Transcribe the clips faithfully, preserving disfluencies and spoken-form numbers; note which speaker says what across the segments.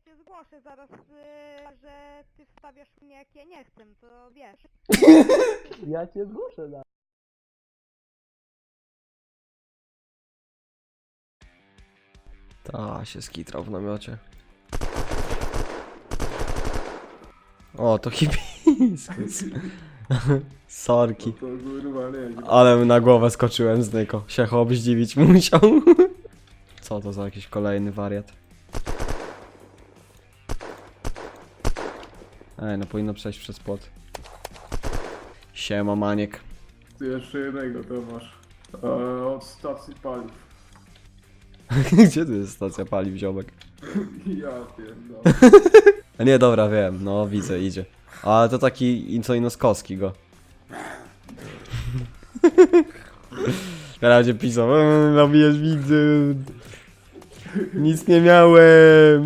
Speaker 1: cię zgłoszę zaraz, yy, że ty wstawiasz mnie jak ja nie chcę, to wiesz.
Speaker 2: Ja cię zgłoszę, da.
Speaker 3: Ta się skitrał w namiocie. O, to hibiskus. Sorki.
Speaker 4: To kurwa nie.
Speaker 3: Ale na głowę skoczyłem z Nyko. Się chłop zdziwić musiał. Co to za jakiś kolejny wariat? Ej, no powinno przejść przez płot. Siema, maniek.
Speaker 4: Ty jeszcze jednego to masz. E, od stacji paliw.
Speaker 3: Gdzie tu jest stacja paliw, ziomek?
Speaker 4: Ja pierdolę.
Speaker 3: A nie, dobra, wiem. No, widzę, idzie. Ale to taki co inoskowski go. Teraz będzie pisał, eee, nabijesz widzę. Nic nie miałem.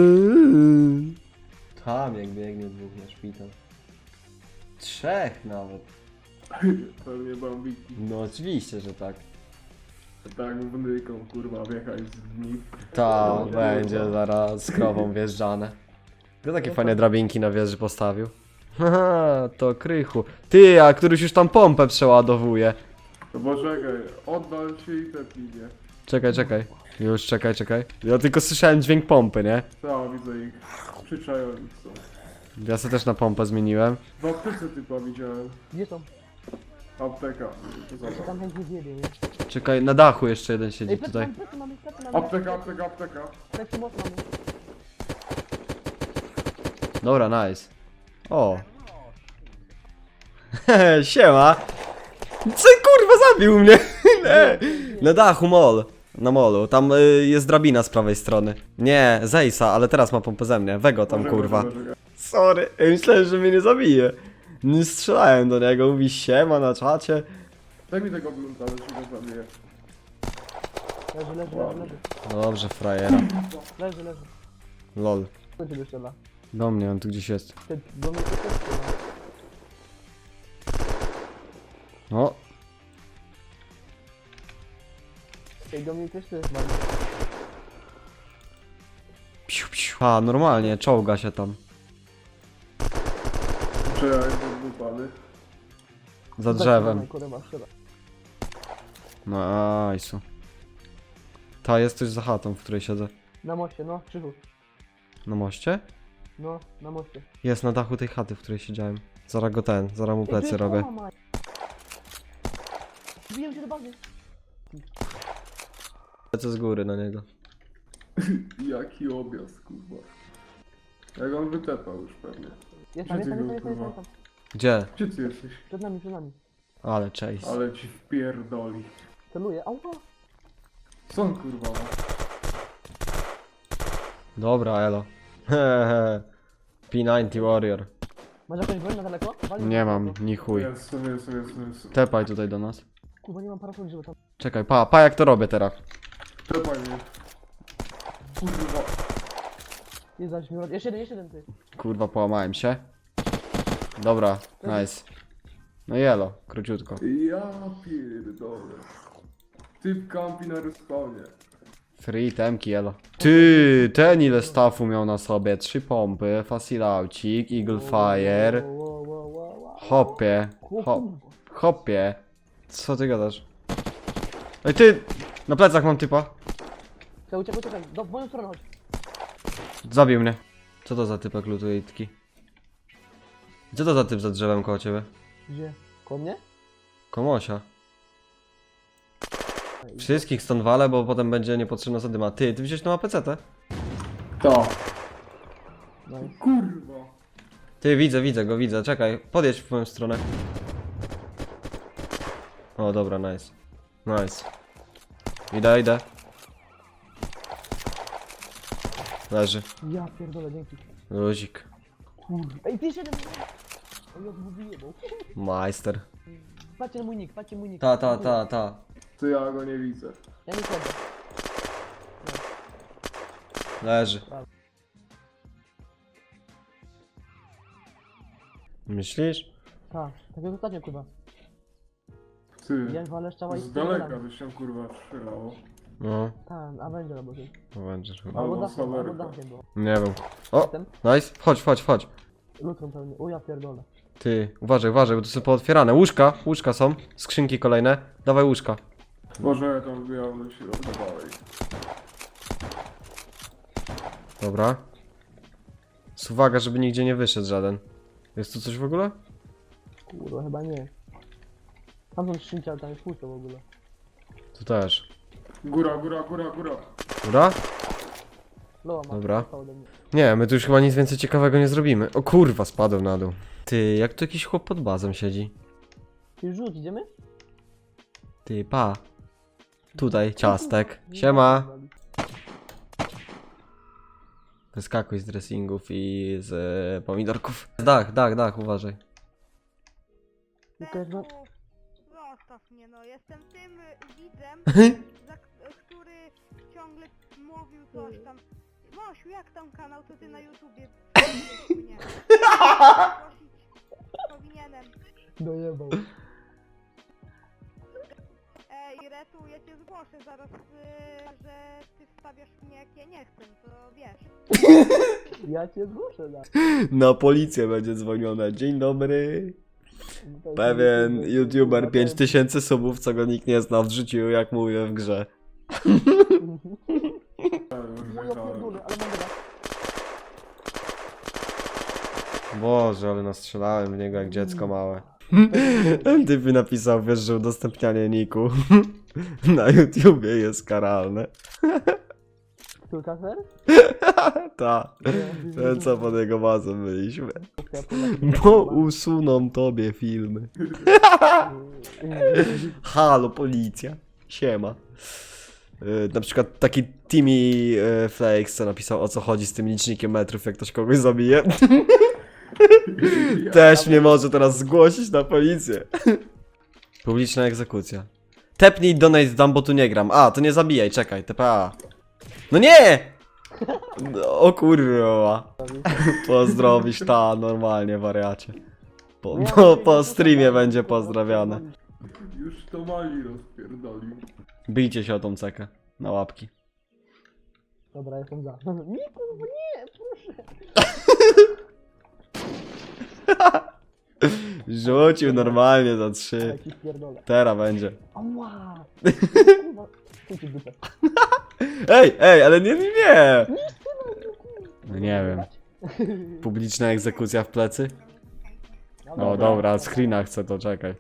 Speaker 3: Tam jak biegnie dwóch na szpital. Trzech nawet.
Speaker 4: Pewnie bambiki.
Speaker 3: No oczywiście, że tak.
Speaker 4: Tak wnyką kurwa wjechać z nich.
Speaker 3: Ta będzie zaraz z krową wjeżdżane. Kto takie fajne drabinki na wieży postawił? Haha, to Krychu. Ty, a któryś już tam pompę przeładowuje.
Speaker 4: No bo czekaj, oddal się i te plinie.
Speaker 3: Czekaj, czekaj. Już czekaj, czekaj. Ja tylko słyszałem dźwięk pompy, nie?
Speaker 4: Tak, widzę ich. Przyczajoni są.
Speaker 3: Ja sobie też na pompę zmieniłem.
Speaker 4: W aptece typa widziałem.
Speaker 2: Gdzie są?
Speaker 4: Apteka. To
Speaker 2: Ja
Speaker 4: zobacz.
Speaker 2: tam chętnie zjedzie, nie?
Speaker 3: Czekaj, na dachu jeszcze jeden siedzi
Speaker 2: Ej, plecy
Speaker 3: tutaj.
Speaker 2: mamy, plecy mamy, plecy mamy.
Speaker 4: Apteka, apteka, apteka.
Speaker 2: Plecy mocno mamy.
Speaker 3: Dobra, nice. O. Hehe, siema. Co kurwa zabił mnie? Nie. Na dachu mol. Na molu. Tam y, jest drabina z prawej strony. Nie, Zejsa, ale teraz ma pompę ze mnie. Wego tam
Speaker 4: Poczekaj,
Speaker 3: kurwa.
Speaker 4: poczekaj.
Speaker 3: Sorry, ja myślałem, że mnie nie zabije. Nie strzelałem do niego, mówi siema na czacie.
Speaker 4: Daj mi tego blunta, ale się go zabiję.
Speaker 2: Leży, leży, leży, leży.
Speaker 3: Dobrze, frajera.
Speaker 2: Leży, leży.
Speaker 3: Lol.
Speaker 2: Kto ciebie strzela?
Speaker 3: Do mnie, on tu gdzieś jest.
Speaker 2: Ty, do mnie to też strzela.
Speaker 3: O,
Speaker 2: Ej, do mnie też to jest mamy.
Speaker 3: piu, piu. A, normalnie, czołga się tam.
Speaker 4: Czekaj, bo wypady.
Speaker 3: Za drzewem.
Speaker 2: Kurwa, strzela.
Speaker 3: No, ajsu. Ta, jest coś za chatą, w której siedzę.
Speaker 2: Na moście, no, Krzychu.
Speaker 3: Na moście?
Speaker 2: No, na moście.
Speaker 3: Jest na dachu tej chaty, w której siedziałem. Zaraz go ten, zaraz mu plecy robię.
Speaker 2: Wbijam się do bazy.
Speaker 3: Lecę z góry na niego.
Speaker 4: Jaki objazd, kurwa. Jak on wytepał już pewnie.
Speaker 2: Jest tam,
Speaker 4: Gdzie
Speaker 2: jest tam,
Speaker 4: ty
Speaker 2: jest
Speaker 4: był,
Speaker 2: tam, jest tam,
Speaker 4: kurwa?
Speaker 2: jest tam.
Speaker 3: Gdzie?
Speaker 4: Gdzie ty jesteś?
Speaker 2: Przed nami, przed nami.
Speaker 3: Ale chase.
Speaker 4: Ale ci wpierdoli.
Speaker 2: Celuję, ała.
Speaker 4: Co on kurwa ma?
Speaker 3: Dobra, elo. Hehe. P dziewięćdziesiąt Warrior.
Speaker 2: Masz jakąś broń na daleko? Wali
Speaker 3: Nie
Speaker 2: na
Speaker 3: mam,
Speaker 2: daleko.
Speaker 3: ni chuj.
Speaker 4: Jest, jest, jest, jest, jest.
Speaker 3: Tepaj tutaj do nas.
Speaker 2: Kurwa, nie mam parasoli, żeby tam...
Speaker 3: Czekaj, pa, pa jak to robię teraz.
Speaker 4: Tepaj mnie. Kurwa.
Speaker 2: Nie zdać mi Jeszcze jeden, jeszcze jeden, ty.
Speaker 3: Kurwa, połamałem się. Dobra, nice. No jelo, króciutko.
Speaker 4: Ja pierdolę. Typ kampi na respawnie.
Speaker 3: Free temki, jelo. Ty, ten ile staffu miał na sobie? Trzy pompy, facilaucik, eagle fire.
Speaker 2: Wow, wow, wow, wow, wow.
Speaker 3: Hopie,
Speaker 2: Kurwa.
Speaker 3: hop, hopie. Co ty gadasz? Ej ty, na plecach mam typa.
Speaker 2: Czekaj, uciekaj, uciekaj. Do, w moją stronę chodź.
Speaker 3: Zabił mnie. Co to za typek lutuje itki? Co to za typ za drzewem koło ciebie?
Speaker 2: Gdzie? Koło mnie?
Speaker 3: Komosia. Wszystkich stąd walę, bo potem będzie niepotrzebna zadyma. Ty, ty wziąłeś tą A P C tę?
Speaker 4: To.
Speaker 2: No i...
Speaker 4: Kurwa.
Speaker 3: Ty, widzę, widzę go, widzę. Czekaj, podjedź w moją stronę. O, dobra, nice. Nice. Idę, idę. Leży.
Speaker 2: Ja pierdolę, dzięki.
Speaker 3: Luzik.
Speaker 2: Kurwa. Ej, ty jeszcze jeden! Ej, jak mu wyjebał.
Speaker 3: Majster.
Speaker 2: Patrzcie na mój nick, patrzcie mój nick.
Speaker 3: Ta, ta, ta, ta.
Speaker 4: To ja go nie widzę.
Speaker 2: Ja nie chodzę.
Speaker 3: Leży. Myślisz?
Speaker 2: Tak, tak jak ostatnio, kurwa.
Speaker 4: Ty.
Speaker 2: Ja walę szczała i
Speaker 4: Z daleka byś się kurwa strzelało.
Speaker 3: No,
Speaker 2: Tam, Avenger albo coś.
Speaker 3: Avenger chyba.
Speaker 2: Albo
Speaker 4: Albo
Speaker 2: dachem, albo
Speaker 4: Sawerka.
Speaker 2: dachem było.
Speaker 3: Nie wiem. O,
Speaker 2: Ten?
Speaker 3: nice. Chodź, chodź, chodź.
Speaker 2: Lutron pewnie. O ja pierdolę.
Speaker 3: Ty, uważaj, uważaj, bo to są pootwierane. Łóżka, łóżka są. Skrzynki kolejne. Dawaj łóżka.
Speaker 4: Może ja tam wbijam do środka dalej.
Speaker 3: Dobra. Z uwaga, żeby nigdzie nie wyszedł żaden. Jest tu coś w ogóle?
Speaker 2: Kurwa, chyba nie. Tam są skrzynki, ale tam jest pusto w ogóle.
Speaker 3: Tu też.
Speaker 4: Góra, góra, góra, góra.
Speaker 3: Dobra?
Speaker 2: Loa ma.
Speaker 3: Dobra.
Speaker 2: dostał ode mnie.
Speaker 3: Nie, my tu już chyba nic więcej ciekawego nie zrobimy. O kurwa, spadłem na dół. Ty, jak tu jakiś chłop pod bazą siedzi?
Speaker 2: Ty rzuć, idziemy?
Speaker 3: Ty, pa. Tutaj, ciastek. Siema. Wyskakuj z dressingów i z e, pomidorków. Dach, dach, dach, uważaj.
Speaker 2: Tylko
Speaker 1: Zeku,
Speaker 2: jak
Speaker 1: zostaw mnie, no. Jestem tym y, widzem, za, k- który ciągle mówił coś tam. Mosiu, jak tam kanał, to ty na YouTubie prosisz mnie. Prosić powinienem.
Speaker 2: dojebał.
Speaker 1: Ej, Retu, ja cię zgłoszę zaraz, y, że ty wstawiasz mnie jak ja nie chcę, to wiesz.
Speaker 2: Ja cię zgłoszę, da.
Speaker 3: Na policję będzie dzwonione. Dzień dobry. Pewien youtuber pięć tysięcy subów, co go nikt nie zna, wrzucił jak mówię w grze.
Speaker 4: Ja już
Speaker 2: Moja
Speaker 4: wygrałem.
Speaker 2: pierdolę, ale mam dobra.
Speaker 3: Boże, ale nastrzelałem w niego jak dziecko małe. Ten typ mi napisał, wiesz, że udostępnianie niku na YouTubie jest karalne.
Speaker 2: Tu kaser?
Speaker 3: Ta, ten co pod jego bazą byliśmy. Bo usuną tobie filmy. Halo, policja. Siema. Yy, na przykład taki Timmy yy, Flakes, co napisał, o co chodzi z tym licznikiem metrów, jak ktoś kogoś zabije. Też mnie może teraz zgłosić na policję. Publiczna egzekucja. Tepnij donate dam, bo tu nie gram. A, to nie zabijaj, czekaj, T P A. No nie! No, o kurwa. Pozdrowisz ta, normalnie, wariacie. Po, po, po streamie będzie pozdrawiane.
Speaker 4: Już to mali rozpierdolił.
Speaker 3: Bijcie się o tą cekę. Na łapki.
Speaker 2: Dobra, jestem za. Nie, kurwa, nie, proszę.
Speaker 3: Rzucił normalnie za
Speaker 2: Ale
Speaker 3: trzy.
Speaker 2: ci pierdolę.
Speaker 3: Teraz będzie.
Speaker 2: Ała! Kurwa, chuj ci w dupę.
Speaker 3: Ej, ej, ale nie, nie, nie. No nie wiem. Publiczna egzekucja w plecy? No dobra, screena chcę, to czekaj.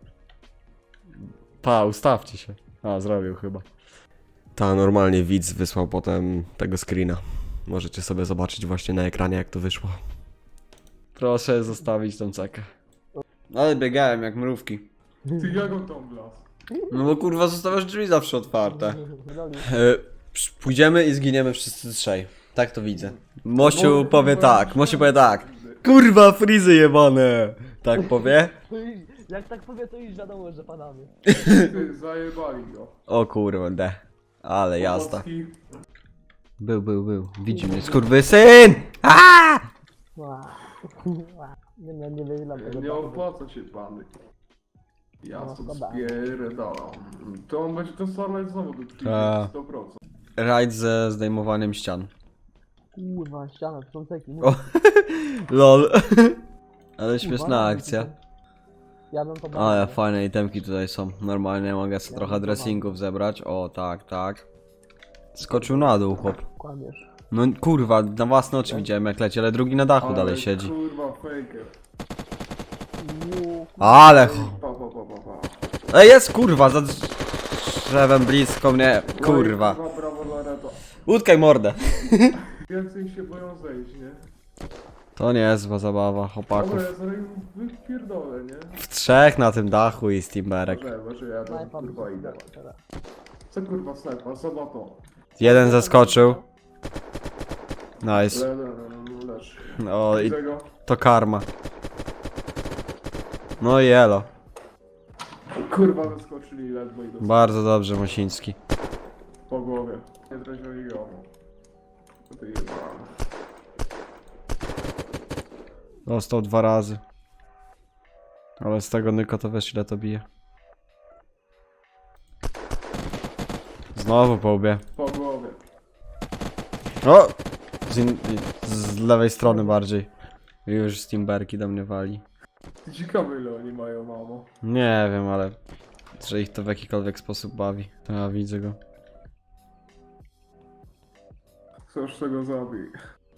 Speaker 3: Pa, ustawcie się. A, zrobił chyba. Ta, normalnie widz wysłał potem tego screena. Możecie sobie zobaczyć właśnie na ekranie, jak to wyszło. Proszę zostawić tą cekę. Ale biegałem jak mrówki.
Speaker 4: Ty jak on tam wlazł?
Speaker 3: No bo kurwa zostawiasz drzwi zawsze otwarte.
Speaker 2: Pierdoli.
Speaker 3: E, psz- pójdziemy i zginiemy wszyscy trzej. Tak to widzę. Mosiu powie tak, Mosiu powie tak. Kurwa, frizy jebane! Tak powie?
Speaker 2: Ej, jak tak powie, to już wiadomo, że padamy.
Speaker 4: Ty, zajebali go.
Speaker 3: O kurde. Ale jazda.
Speaker 4: Pomocki.
Speaker 3: Był, był, był. Widzi mnie, skurwysyn! Aaaa!
Speaker 2: Ła. Ła. Nie, nie, nie wyjdę tego.
Speaker 4: Nie opłaca się pany. Ja
Speaker 2: No,
Speaker 4: to
Speaker 2: szkoda.
Speaker 4: spierdalam. To on będzie to starać znowu do
Speaker 3: Ta.
Speaker 4: przyjęcia sto procent.
Speaker 3: Rajd ze zdejmowaniem ścian.
Speaker 2: Kurwa, ściana, to są ceki.
Speaker 3: O. Lol. Ale śmieszna akcja.
Speaker 2: Ja bym to
Speaker 3: Ale fajne itemki tutaj są. Normalnie mogę sobie trochę dressingów zebrać. O, tak, tak. Skoczył na dół, chłop.
Speaker 2: Kłamiesz.
Speaker 3: No kurwa, na własne oczy widziałem jak leci, ale drugi na dachu dalej siedzi.
Speaker 4: Kurwa, faker.
Speaker 2: Ło,
Speaker 3: Ale ch...
Speaker 4: Pa, pa, pa, pa, pa.
Speaker 3: Ej, jest kurwa, za drzewem blisko mnie. Kurwa.
Speaker 4: No i brawo dla Reto.
Speaker 3: Utkaj mordę.
Speaker 4: Więcej się boją zejść, nie?
Speaker 3: To nie jest zła zabawa, chłopaków.
Speaker 4: Dobra, ja zaraz wypierdolę, nie?
Speaker 3: W trzech na tym dachu i steamberek.
Speaker 4: Może, może ja tam
Speaker 2: snajpa
Speaker 4: kurwa
Speaker 2: by
Speaker 4: idę.
Speaker 2: się teraz.
Speaker 4: Co kurwa snajpa? Zobacz to.
Speaker 3: Jeden zaskoczył. Nice.
Speaker 4: Le, le, le, leż.
Speaker 3: No i
Speaker 4: Widzę go.
Speaker 3: to karma. No i elo.
Speaker 4: Kurwa wyskoczyli ledwo i dostali
Speaker 3: Bardzo dobrze, Mosiński.
Speaker 4: po głowie. Nie trafiali go. To ty jebany.
Speaker 3: Dostał dwa razy. Ale z tego Nyko to wiesz ile to bije. Znowu po łbie.
Speaker 4: Po głowie.
Speaker 3: O! Z, in, z lewej strony bardziej. Już Steamberki do mnie wali.
Speaker 4: Ciekawe ile oni mają, mamo.
Speaker 3: Nie wiem, ale... Że ich to w jakikolwiek sposób bawi. To ja widzę go.
Speaker 4: Chcesz tego zabij.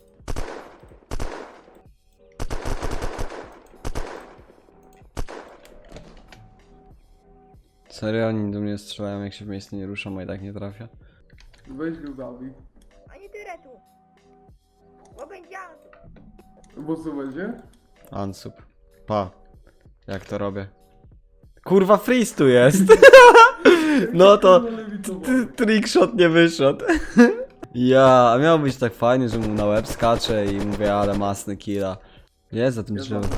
Speaker 3: Serio? Oni do mnie strzelają, jak się w miejscu nie ruszam, a i tak nie trafia.
Speaker 4: Weź go zabij.
Speaker 1: Ani tyle tu. Bo będzie
Speaker 4: Bo co będzie?
Speaker 3: Ansup. Pa. Jak to robię? Kurwa, freeze tu jest! No to... t- Trickshot nie wyszedł. Ja, a miało być tak fajnie, że mu na łeb skacze i mówię, ale masny killa. Jest za tym drzewem.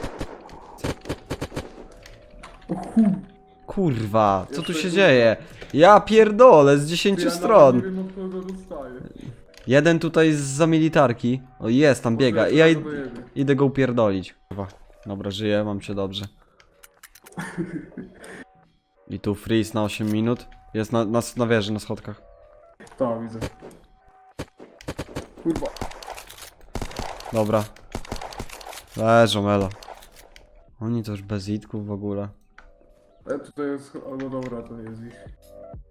Speaker 4: O chuj.
Speaker 3: Kurwa, co tu
Speaker 4: Jeszcze
Speaker 3: się
Speaker 4: kurwa.
Speaker 3: dzieje? Ja pierdolę, z
Speaker 4: Ja
Speaker 3: dziesięciu
Speaker 4: nawet
Speaker 3: stron.
Speaker 4: nie wiem od kogo dostaję.
Speaker 3: Jeden tutaj za militarki. O, jest, tam biega.
Speaker 4: Może
Speaker 3: I ja
Speaker 4: ja
Speaker 3: id
Speaker 4: to dojebie.
Speaker 3: idę go upierdolić. Kurwa. Dobra, żyję, mam cię dobrze. I tu freeze na osiem minut. Jest na, na, na wieży, na schodkach.
Speaker 4: Tak, widzę. Kurwa.
Speaker 3: Dobra. Leżą, elo. Oni to już bez itków w ogóle.
Speaker 4: E, tutaj jest... O, no dobra, to nie jest ich.